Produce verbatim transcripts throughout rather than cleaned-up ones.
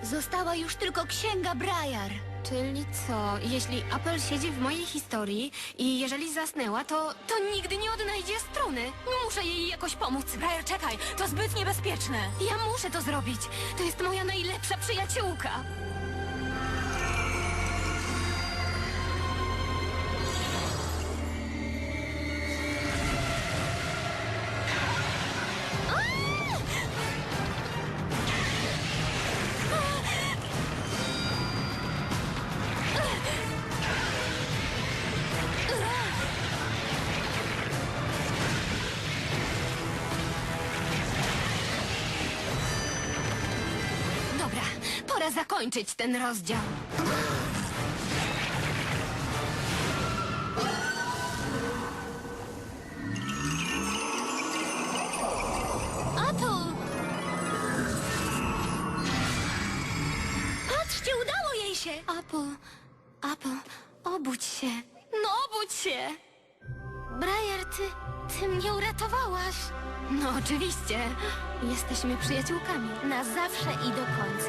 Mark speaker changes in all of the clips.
Speaker 1: Została już tylko księga Briar.
Speaker 2: Czyli co, jeśli Apple siedzi w mojej historii i jeżeli zasnęła, to, to nigdy nie odnajdzie struny. Muszę jej jakoś pomóc.
Speaker 3: Briar, czekaj, to zbyt niebezpieczne.
Speaker 2: Ja muszę to zrobić. To jest moja najlepsza przyjaciółka. Dobra, pora zakończyć ten rozdział.
Speaker 1: Apple! Patrzcie, udało jej się!
Speaker 2: Apple, Apple, obudź się. No obudź się!
Speaker 1: Briar, ty... ty mnie uratowałaś.
Speaker 2: No oczywiście. Jesteśmy przyjaciółkami.
Speaker 1: Na zawsze i do końca.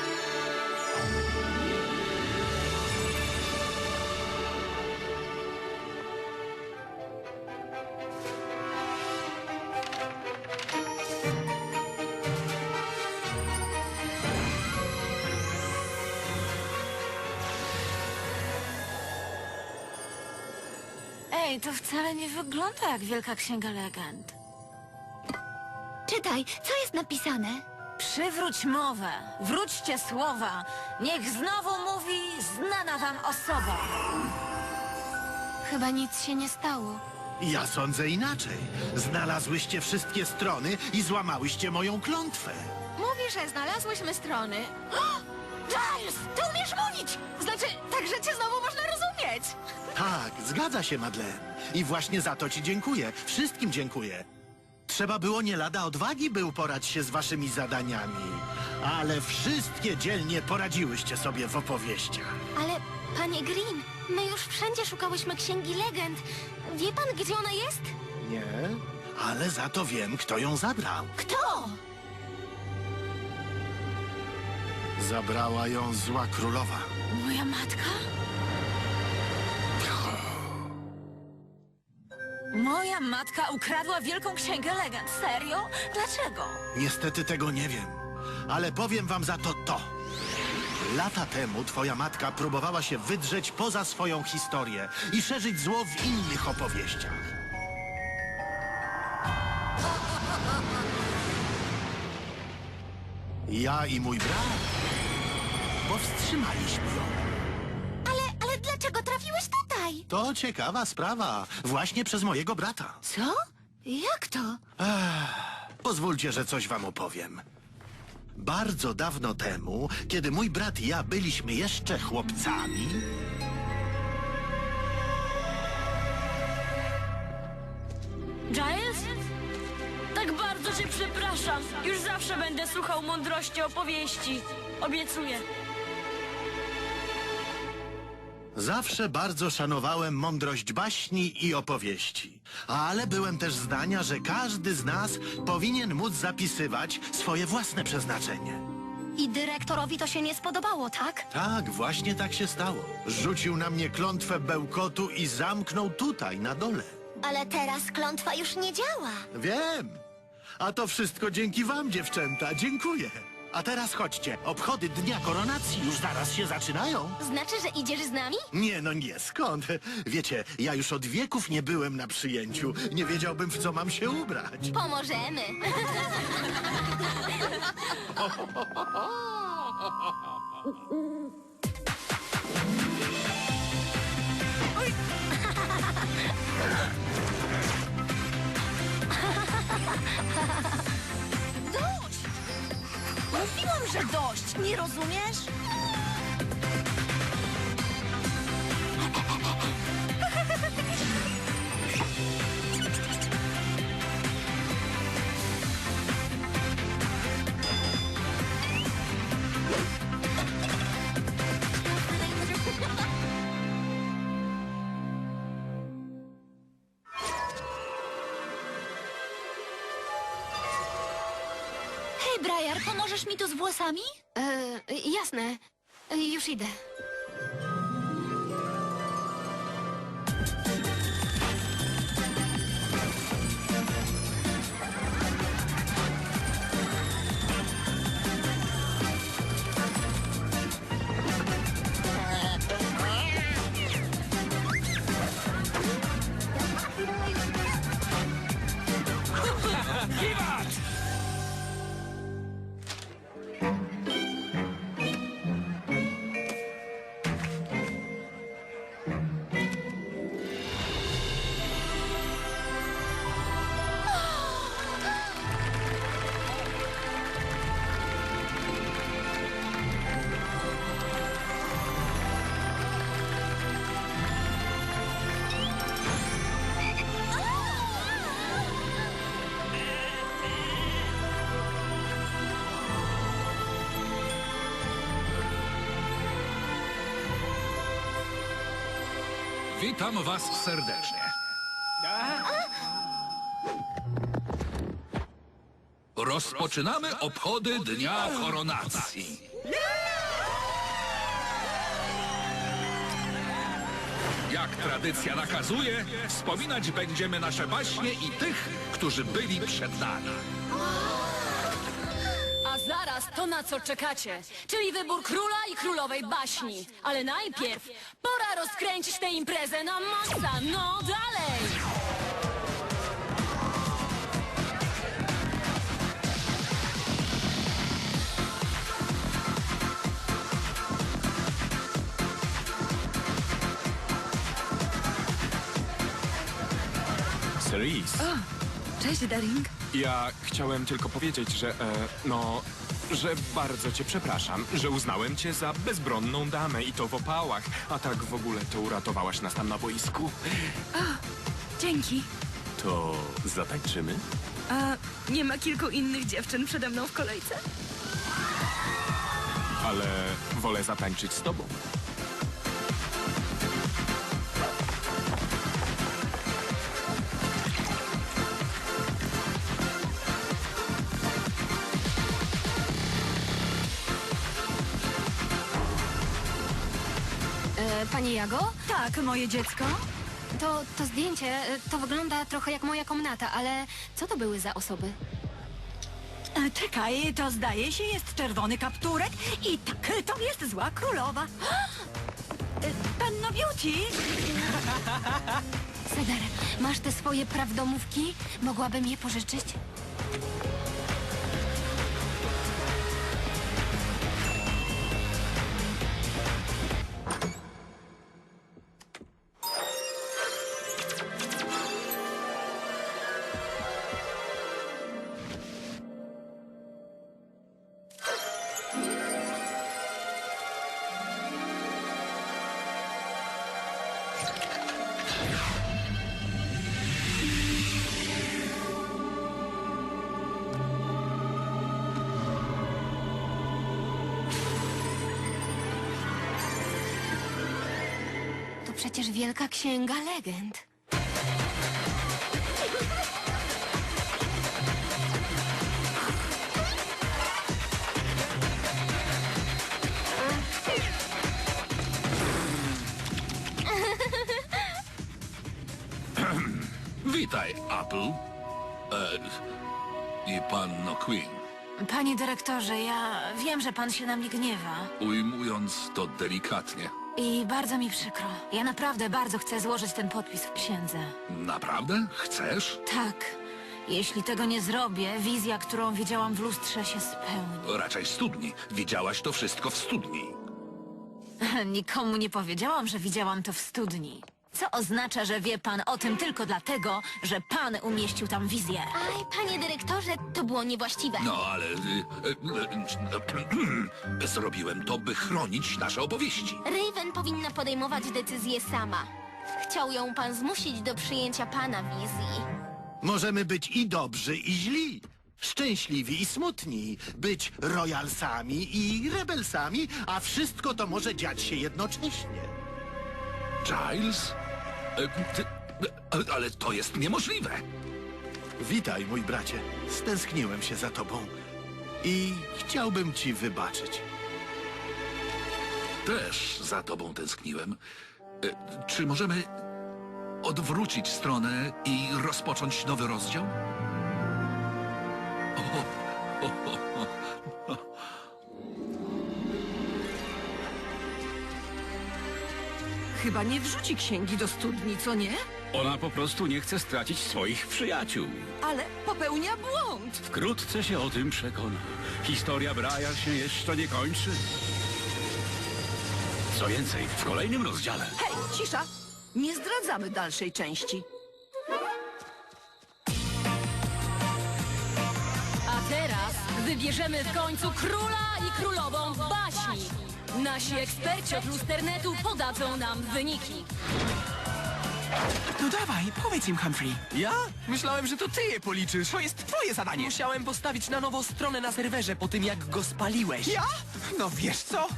Speaker 3: Ej, to wcale nie wygląda jak Wielka Księga Legend.
Speaker 1: Czytaj, co jest napisane?
Speaker 3: Przywróć mowę, wróćcie słowa. Niech znowu mówi znana wam osoba.
Speaker 2: Chyba nic się nie stało.
Speaker 4: Ja sądzę inaczej. Znalazłyście wszystkie strony i złamałyście moją klątwę.
Speaker 2: Mówi, że znalazłyśmy strony.
Speaker 3: Giles, ty umiesz mówić!
Speaker 2: Znaczy, tak, że cię znowu można rozumieć.
Speaker 4: Tak, zgadza się, Madeleine. I właśnie za to ci dziękuję. Wszystkim dziękuję. Trzeba było nie lada odwagi, by uporać się z waszymi zadaniami. Ale wszystkie dzielnie poradziłyście sobie w opowieściach.
Speaker 1: Ale, panie Green, my już wszędzie szukałyśmy księgi legend. Wie pan, gdzie ona jest?
Speaker 4: Nie? Ale za to wiem, kto ją zabrał.
Speaker 1: Kto?
Speaker 4: Zabrała ją zła królowa.
Speaker 3: Moja matka? Moja matka ukradła Wielką Księgę Legend. Serio? Dlaczego?
Speaker 4: Niestety tego nie wiem, ale powiem wam za to to. Lata temu twoja matka próbowała się wydrzeć poza swoją historię i szerzyć zło w innych opowieściach. Ja i mój brat powstrzymaliśmy ją.
Speaker 1: Ale, ale dlaczego trafiłeś tutaj?
Speaker 4: To ciekawa sprawa, właśnie przez mojego brata.
Speaker 1: Co? Jak to?
Speaker 4: Pozwólcie, że coś wam opowiem. Bardzo dawno temu, kiedy mój brat i ja byliśmy jeszcze chłopcami...
Speaker 5: Giles? Tak bardzo cię przepraszam. Już zawsze będę słuchał mądrości opowieści. Obiecuję.
Speaker 4: Zawsze bardzo szanowałem mądrość baśni i opowieści. Ale byłem też zdania, że każdy z nas powinien móc zapisywać swoje własne przeznaczenie.
Speaker 1: I dyrektorowi to się nie spodobało, tak?
Speaker 4: Tak, właśnie tak się stało. Rzucił na mnie klątwę bełkotu i zamknął tutaj, na dole.
Speaker 1: Ale teraz klątwa już nie działa.
Speaker 4: Wiem. A to wszystko dzięki wam, dziewczęta. Dziękuję. A teraz chodźcie. Obchody Dnia Koronacji już zaraz się zaczynają.
Speaker 1: Znaczy, że idziesz z nami?
Speaker 4: Nie, no nie, skąd? Wiecie, ja już od wieków nie byłem na przyjęciu. Nie wiedziałbym, w co mam się ubrać.
Speaker 1: Pomożemy.
Speaker 3: Dość! Mówiłam, że dość! Nie rozumiesz? Hej, Briar, pomożesz mi tu z włosami?
Speaker 2: E, jasne. E, już idę.
Speaker 6: Witam was serdecznie. Rozpoczynamy obchody Dnia Koronacji. Jak tradycja nakazuje, wspominać będziemy nasze baśnie i tych, którzy byli przed nami.
Speaker 5: A zaraz to, na co czekacie, czyli wybór króla i królowej baśni. Ale najpierw pora rozkręcić tę imprezę na maksa. No dalej!
Speaker 7: Cerise,
Speaker 3: Cześć, Daring.
Speaker 7: ja chciałem tylko powiedzieć, że, e, no, że bardzo cię przepraszam, że uznałem cię za bezbronną damę i to w opałach, a tak w ogóle to uratowałaś nas tam na boisku.
Speaker 8: Dzięki.
Speaker 7: To zatańczymy?
Speaker 8: A nie ma kilku innych dziewczyn przede mną w kolejce?
Speaker 7: Ale wolę zatańczyć z tobą.
Speaker 2: E, pani Jago?
Speaker 8: Tak, moje dziecko.
Speaker 2: To, to zdjęcie, e, to wygląda trochę jak moja komnata, ale co to były za osoby?
Speaker 8: E, Czekaj, to zdaje się jest czerwony kapturek i tak, to jest zła królowa. E, Panno Beauty?
Speaker 2: Cedar, masz te swoje prawdomówki? Mogłabym je pożyczyć? To przecież wielka księga legend.
Speaker 6: Witaj, Apple. E, I panno Queen.
Speaker 3: Panie dyrektorze, ja wiem, że pan się na mnie gniewa.
Speaker 6: Ujmując to delikatnie.
Speaker 3: I bardzo mi przykro. Ja naprawdę bardzo chcę złożyć ten podpis w księdze.
Speaker 6: Naprawdę? Chcesz?
Speaker 3: Tak. Jeśli tego nie zrobię, wizja, którą widziałam w lustrze, się spełni.
Speaker 6: Raczej w studni. Widziałaś to wszystko w studni.
Speaker 3: Nikomu nie powiedziałam, że widziałam to w studni. Co oznacza, że wie pan o tym tylko dlatego, że pan umieścił tam wizję.
Speaker 1: Aj, panie dyrektorze, to było niewłaściwe.
Speaker 6: No, ale... y, y, y, zrobiłem to, by chronić nasze opowieści.
Speaker 1: Raven powinna podejmować decyzję sama. Chciał ją pan zmusić do przyjęcia pana wizji.
Speaker 4: Możemy być i dobrzy, i źli. Szczęśliwi i smutni. Być royalsami i rebelsami, a wszystko to może dziać się jednocześnie.
Speaker 6: Giles? E, ty, e, ale to jest niemożliwe.
Speaker 4: Witaj, mój bracie. Stęskniłem się za tobą. I chciałbym ci wybaczyć.
Speaker 6: Też za tobą tęskniłem. E, czy możemy odwrócić stronę i rozpocząć nowy rozdział? O, o, o, o.
Speaker 8: Chyba nie wrzuci księgi do studni, co nie?
Speaker 9: Ona po prostu nie chce stracić swoich przyjaciół.
Speaker 8: Ale popełnia błąd.
Speaker 9: Wkrótce się o tym przekona. Historia Briar się jeszcze nie kończy. Co więcej, w kolejnym rozdziale
Speaker 8: Hej, cisza! Nie zdradzamy dalszej części.
Speaker 5: A teraz wybierzemy w końcu króla i królową baśni. Nasi eksperci od lusternetu podadzą nam wyniki.
Speaker 10: No dawaj, powiedz im, Humphrey.
Speaker 11: Ja? Myślałem, że to ty je policzysz.
Speaker 10: To jest twoje zadanie.
Speaker 11: Musiałem postawić na nowo stronę na serwerze po tym, jak go spaliłeś.
Speaker 10: Ja? No wiesz co?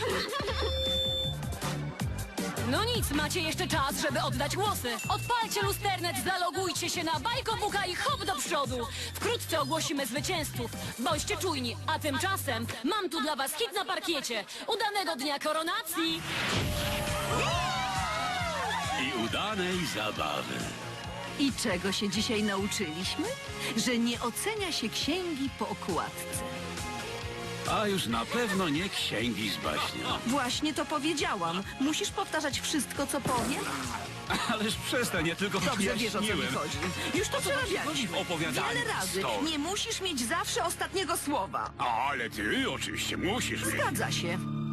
Speaker 5: No nic, macie jeszcze czas, żeby oddać głosy. Odpalcie lusternet, zalogujcie się na Bajkobuka i hop do przodu. Wkrótce ogłosimy zwycięzców. Bądźcie czujni, a tymczasem mam tu dla was hit na parkiecie. Udanego dnia koronacji!
Speaker 9: i udanej zabawy.
Speaker 8: I czego się dzisiaj nauczyliśmy? Że nie ocenia się księgi po okładce.
Speaker 9: A już na pewno nie księgi z baśnią.
Speaker 8: Właśnie to powiedziałam. Musisz powtarzać wszystko, co powiem?
Speaker 9: Ależ przestań, ja tylko
Speaker 8: Dobrze wiesz, o co mi
Speaker 9: wyjaśniłem.
Speaker 8: chodzi. Już to przerabialiśmy.
Speaker 9: Opowiadanie
Speaker 8: Wiele razy.
Speaker 9: stąd.
Speaker 8: Nie musisz mieć zawsze ostatniego słowa.
Speaker 9: Ale ty oczywiście musisz mieć.
Speaker 8: Zgadza się.